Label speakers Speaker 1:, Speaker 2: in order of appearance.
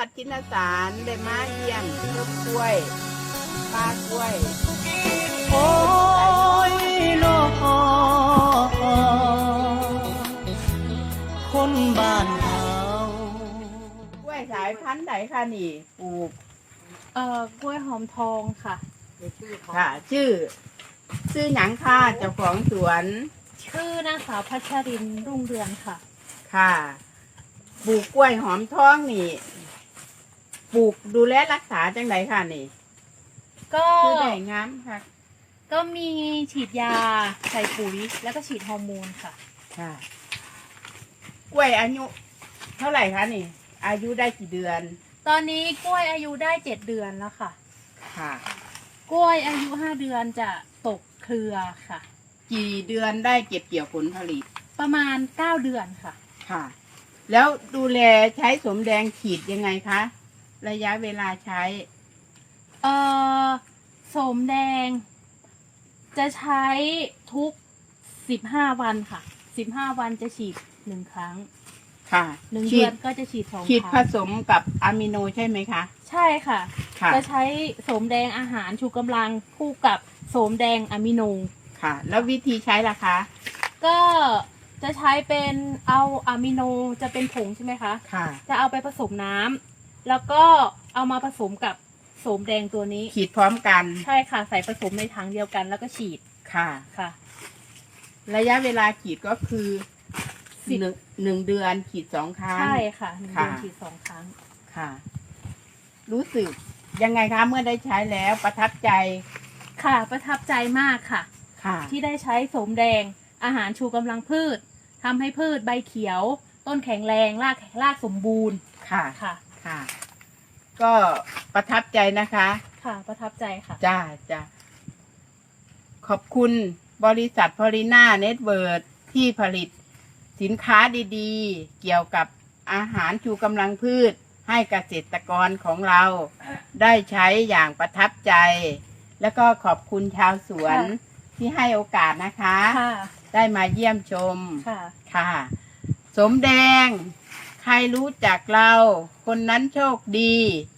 Speaker 1: วัดชินสารได้มาเยี่ยมต้นกล้วยป้ากล้วย
Speaker 2: โอ้ยโลกคนบ้านเฮาก
Speaker 1: ล้วยสายพันธุ์ไหนคะนี่ปลูก
Speaker 3: กล้วยหอมทองค่ะ
Speaker 1: ค่ะ ชื่อหยังค่ะเจ้าของสวน
Speaker 3: ชื่อนางสาวพัชรินทร์รุ่งเรืองค่ะ
Speaker 1: ค่ะปลูกกล้วยหอมทองนี่ปลูกดูแลรักษาจังไดค่ะนี่
Speaker 3: ก็
Speaker 1: คือได้งามค่ะ
Speaker 3: ก็มีฉีดยาใส่ปุ๋ยแล้วก็ฉีดฮอร์โมนค่ะ
Speaker 1: ค่ะ กล้วยอายุเท่าไหร่คะนี่ อายุได้กี่เดือน
Speaker 3: ตอนนี้กล้วยอายุได้7 เดือนแล้วค่ะ
Speaker 1: ค่ะ
Speaker 3: กล้วยอายุ5 เดือนจะตกเครือค่ะ
Speaker 1: กี่เดือนได้เก็บเกี่ยวผลผลิต
Speaker 3: ประมาณ9 เดือนค่ะ
Speaker 1: ค่ะ แล้วดูแลใช้สมแดงฉีดยังไงคะ ระยะเวลาใช้
Speaker 3: โสมแดง จะใช้ทุก15 วันค่ะ15 วันจะฉีด1 ครั้ง
Speaker 1: ค่ะ
Speaker 3: 1
Speaker 1: ฉี
Speaker 3: เดือ
Speaker 1: ด
Speaker 3: นก็จะฉีด2
Speaker 1: ฉีด
Speaker 3: ค
Speaker 1: ผ
Speaker 3: รั้ง
Speaker 1: สมกับอะมิโนใช่ไหมคะ
Speaker 3: ใช่ค่ะ
Speaker 1: ค่ะ
Speaker 3: จะใช้โสมแดงอาหารชูกำลังคู่กับโสมแดงอะมิโน
Speaker 1: ค่ะ แล้ววิธีใช้ล่ะคะ
Speaker 3: ก็จะใช้เป็นเอาอะมิโนจะเป็นผงใช่ไหมคะ
Speaker 1: ค่ะ
Speaker 3: จะเอาไปผสมน้ำแล้วก็เอามาผสมกับโสมแดงตัวนี้
Speaker 1: ฉีดพร้อมกัน
Speaker 3: ใช่ค่ะ ใส่ผสมในถังเดียวกันแล้วก็ฉีด
Speaker 1: ค่ะ
Speaker 3: ค่ะ
Speaker 1: ระยะเวลาฉีดก็คือ
Speaker 3: สิบ
Speaker 1: หนึ่งเดือนฉีด2 ครั้ง
Speaker 3: ใช่ค่ะ1 เดือน
Speaker 1: ค่ะ
Speaker 3: ฉีด2 ครั้ง
Speaker 1: ค่ะ รู้สึกยังไงคะเมื่อได้ใช้แล้วประทับใจ
Speaker 3: ค่ะประทับใจมากค่ะ
Speaker 1: ค่ะ
Speaker 3: ที่ได้ใช้โสมแดงอาหารชูกำลังพืชทำให้พืชใบเขียว ต้นแข็งแรงรากสมบูรณ์
Speaker 1: ค่ะ
Speaker 3: ค่ะ
Speaker 1: ค่ะ ก็ประทับใจนะคะ
Speaker 3: ค่ะประทับใจค่ะ
Speaker 1: จ้าจ้าขอบคุณบริษัทพอลิน่าเน็ตเวิร์ดที่ผลิตสินค้าดีๆ เกี่ยวกับอาหารชูกำลังพืช ให้เกษตรกรของเราได้ใช้อย่างประทับใจ แล้วก็ขอบคุณชาวสวน
Speaker 3: ค่ะ
Speaker 1: ที่ให้โอกาสนะคะ
Speaker 3: ค่ะ
Speaker 1: ได้มาเยี่ยมชม
Speaker 3: ค่ะ
Speaker 1: ค่ะ สมแดง ใครรู้จักเรา คนนั้นโชคดี